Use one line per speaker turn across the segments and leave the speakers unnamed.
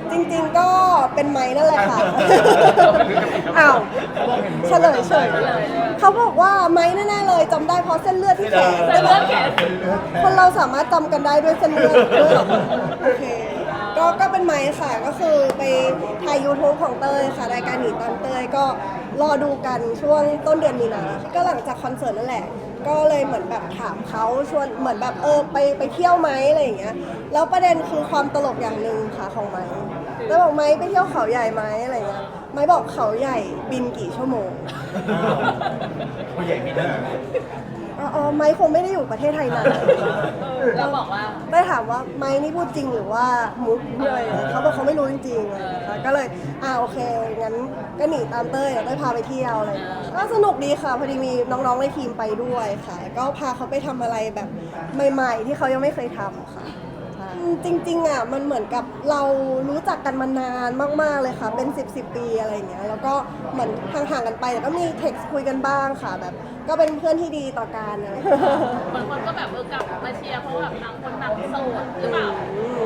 จริงๆก็เป็นไม้นั่นแหละค่ะอ้าวเฉลยเฉยเขาบอกว่าไม้แน่ๆเลยจำได้เพราะเส้นเลือดที่แขน
เส้นเลือดแขน
คนเราสามารถจำกันได้ด้วยเส้นเลือดด้วยเหรอโอเคก็เป็นไม้ค่ะก็คือไปถ่าย YouTube ของเต้ยค่ะรายการหนีตามเต้ยก็รอดูกันช่วงต้นเดือนมีนาก็หลังจากคอนเสิร์ตนั่นแหละก็เลยเหมือนแบบถามเขาชวนเหมือนแบบไปเที่ยวไหมอะไรอย่างเงี้ยแล้วประเด็นคือความตลกอย่างหนึ่งค่ะของไม้แล้วบอกไม้ไปเที่ยวเขาใหญ่ไหมอะไรเงี้ยไม้บอกเขาใหญ่บินกี่ชั่วโมง
ผู้ใหญ่ไม่ได้
อ๋อไม้คงไม่ได้อยู่ประเทศไทยนาน
เราบอกว่า
ได้ถามว่าไม้นี่พูดจริงหรือว่ามุกเลยเขาบอกเขาไม่รู้จริงๆอะไรอย่างเงี้ยค่ะก็เลยโอเคงั้นก็หนีตามเต้ยเต้ยพาไปเที่ยวอะไรอย่างเงี้ยก็สนุกดีค่ะพอดีมีน้องๆในทีมไปด้วยค่ะก็พาเขาไปทำอะไรแบบใหม่ๆที่เขายังไม่เคยทำค่ะจริงๆมันเหมือนกับเรารู้จักกันมานานมากๆเลยค่ะเป็น10ปีอะไรอย่างเงี้ยแล้วก็เหมือนห่างๆกันไปแต่ก็มีเท็กซ์คุยกันบ้างค่ะแบบก็เป็นเพื่อนที่ดีต่อกันอะไรอย่างเงี้ย
บางคนก็แบบกลับมาเชียร์เพราะแบบต่างคนต่างโสดหรือเปล่า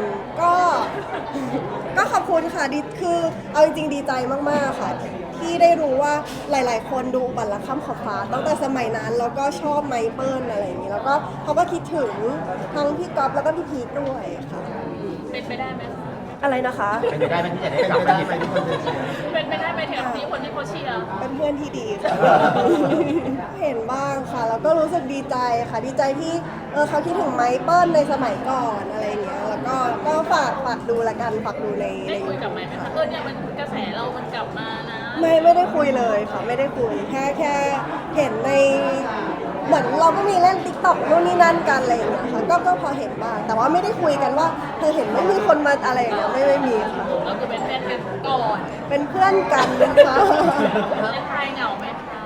ก็ขอบคุณค่ะดีคือเอาจริงๆดีใจมากๆค่ะที่ได้รู้ว่าหลายๆคนดูบัลลังก์ข้ามขอบฟ้าตั้งแต่สมัยนั้นแล้วก็ชอบไมเปิลอะไรอย่างนี้แล้วก็เขาก็คิดถึงทั้งพี่ก๊อฟแล้วก็พี่พีคด้วยค่ะ
เป็นไปได้ไหม
อะไรนะคะ
เป็นไปได้ไหมที่จะได้กลับไปที่ไปทุกคนจะเชียร์
เป็นไปได้ไหมแถวนี้คนที่เขาเชียร์
เป็นเพื่อนที่ดีค่ะ เห็นบ้างค่ะแล้วก็รู้สึกดีใจค่ะดีใจที่เขาคิดถึงไมเปิลในสมัยก่อนอะไรอย่างเงี้ยแล้วก็ฝากดูละกันฝากดูใน
ได้คุยกับไหมคะเนี่ยมันกระแสเรามันกลับมานะ
ไม่ได้คุยเลยค่ะไม่ได้คุยแค่เห็นในเหมือนเราก็มีเล่นติ๊กต็อกนู่นนี่นั่นกันอะไรอย่างเงี้ยค่ะก็พอเห็นบ้างแต่ว่าไม่ได้คุยกันว่าเธอเห็นไม่มีคนมาอะไรอย่างเงี้ยไม่มีค่ะ
ก็คือเป็นเพื่อนกันก่อน
เป็นเพื่อนกันนะคะ
เล่นไทยเหงาไหมคะ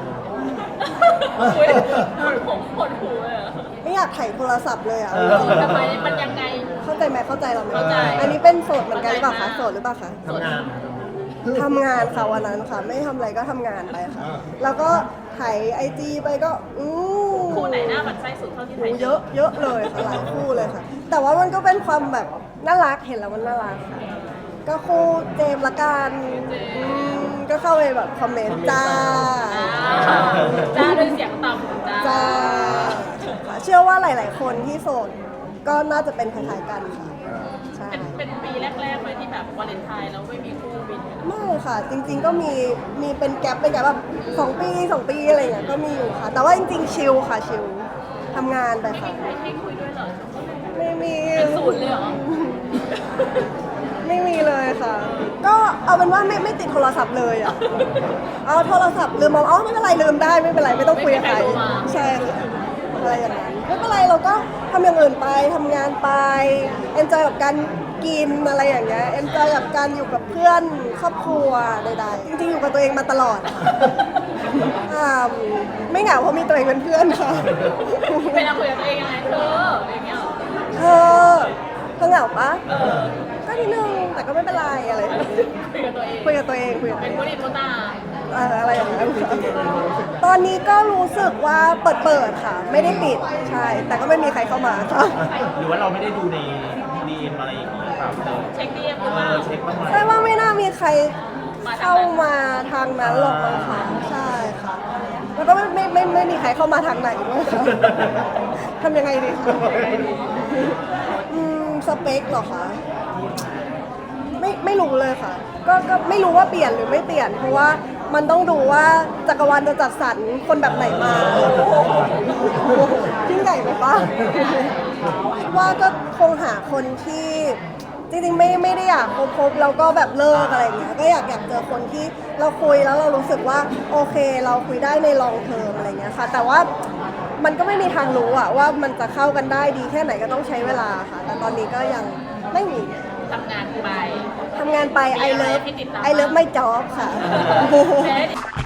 คุยผมปวดหัวเลย
ไม่อยากถ่ายโทรศัพท์เลยอ่ะ
ทำไมมันยังไง
เข้าใจไหมเข้าใจเราไหม
เข้าใจ
อันนี้เป็นโสดเหมือนกันหรือเปล่าคะโสดหรือเปล่าคะ
ทำงาน
ทำงานค่ะวันนั้นค่ะ ไม่ทำอะไรก็ทำงานไปค่ะ แล้วก็ถ่ายไอจีไปก็
คู่ไหนหน้าหมันไส้สุดเท่าที่ไทย
เยอะเลยค่ะหลายคู่เลยค่ะ แต่ว่ามันก็เป็นความแบบน่ารักเห็นแล้วมันน่ารักค่ะก็คู่เจมส์ละกันก็เข้าไปแบบคอมเมนต์จ้า
จ้าด้วยเสียงต่ำจ้า
จ้าเชื่อว่าหลาย ๆ คนที่โสดก็น่าจะเป็นคล้ายๆกันค่ะใช่
เป็นปีแรกๆเลยที่แบบวาเลนไทน์แล้วไม่มีคู่บิน
ไม่ค่ะจริงๆก็มีเป็นแกลบแบบ2 ปีอะไรอย่างเงี้ยก็มีอยู่ค่ะ แต่ว่าจริงๆชิลค่ะชิลทำงานไป
ไม่
ค่ะ
มีใครให้คุยด้วยเหรอ
ไม่มี
เป็นศูนย์เลยเหรอ
ไม่มีเลยค่ะ ก็เอาเป็นว่าไม่ติดโทรศัพท์เลยอ่ะเอาโทรศัพท์ลืมเอาไม่เป็นไรลืมได้ไม่เป็นไรไม่ต้องคุยกับใครใช่ค่ะอะไรอย่างนั้นไม่เป็นไรเราก็ทำอย่างอื่นไปทำงานไปเอนจอยกับการกินอะไรอย่างเงี้ยเอนจอยกับการอยู่กับเพื่อนครอบครัวใดๆจริงๆอยู่กับตัวเองมาตลอดไม่เหงาเพราะมีตัวเองเป็นเพื่อนค่ะ
เวลาคุยกับตัวเองยังไงเธออย่างเงี้ยเหรอ
เธอเหงาปะก็นิดนึงแต่ก็ไม่เป็นไรอะไรอย่างเงี้ย
คุยกับตัวเอง
คุยกับตัวเอง
เป็นผู้ดีผู้ตา
อะไรอย่างเงี้ยตอนนี้ก็รู้สึกว่าเปิดค่ะ ไม่ได้ปิดใช่ แต่ก็ไม่มีใครเข้ามาค่ะ
หรือว่าเราไม่ได้ดูในดีเอ็มอะไรอย่างนี้หรือเปล่า
เช็คดีเอ็มหรือเปล่า
เช็คบ้างไหม
แต่ว่าไม่น่ามีใครเข้ามาทางนั้นหรอกมั้งค่ะใช่ค่ะ แล้วก็ไม่มีใครเข้ามาทางไหนด้วยค่ะทำยังไงดีคะสเปคเหรอคะไม่รู้เลยค่ะ ก็ไม่รู้ว่าเปลี่ยนหรือไม่เปลี่ยน เพราะว่ามันต้องดูว่าจักรวาลจะจัดสรรคนแบบไหนมายิ่งใหญ่ไหมป้าว่าก็คงหาคนที่จริงๆไม่ได้อยากคบแล้วก็แบบเลิกอะไรอย่างเงี้ยก็อยากเจอคนที่เราคุยแล้วเรารู้สึกว่าโอเคเราคุยได้ในลองเทอมอะไรเงี้ยค่ะแต่ว่ามันก็ไม่มีทางรู้อะว่ามันจะเข้ากันได้ดีแค่ไหนก็ต้องใช้เวลาค่ะแต่ตอนนี้ก็ยังไม่มี
ทำงานไป
I love my job ค่ะ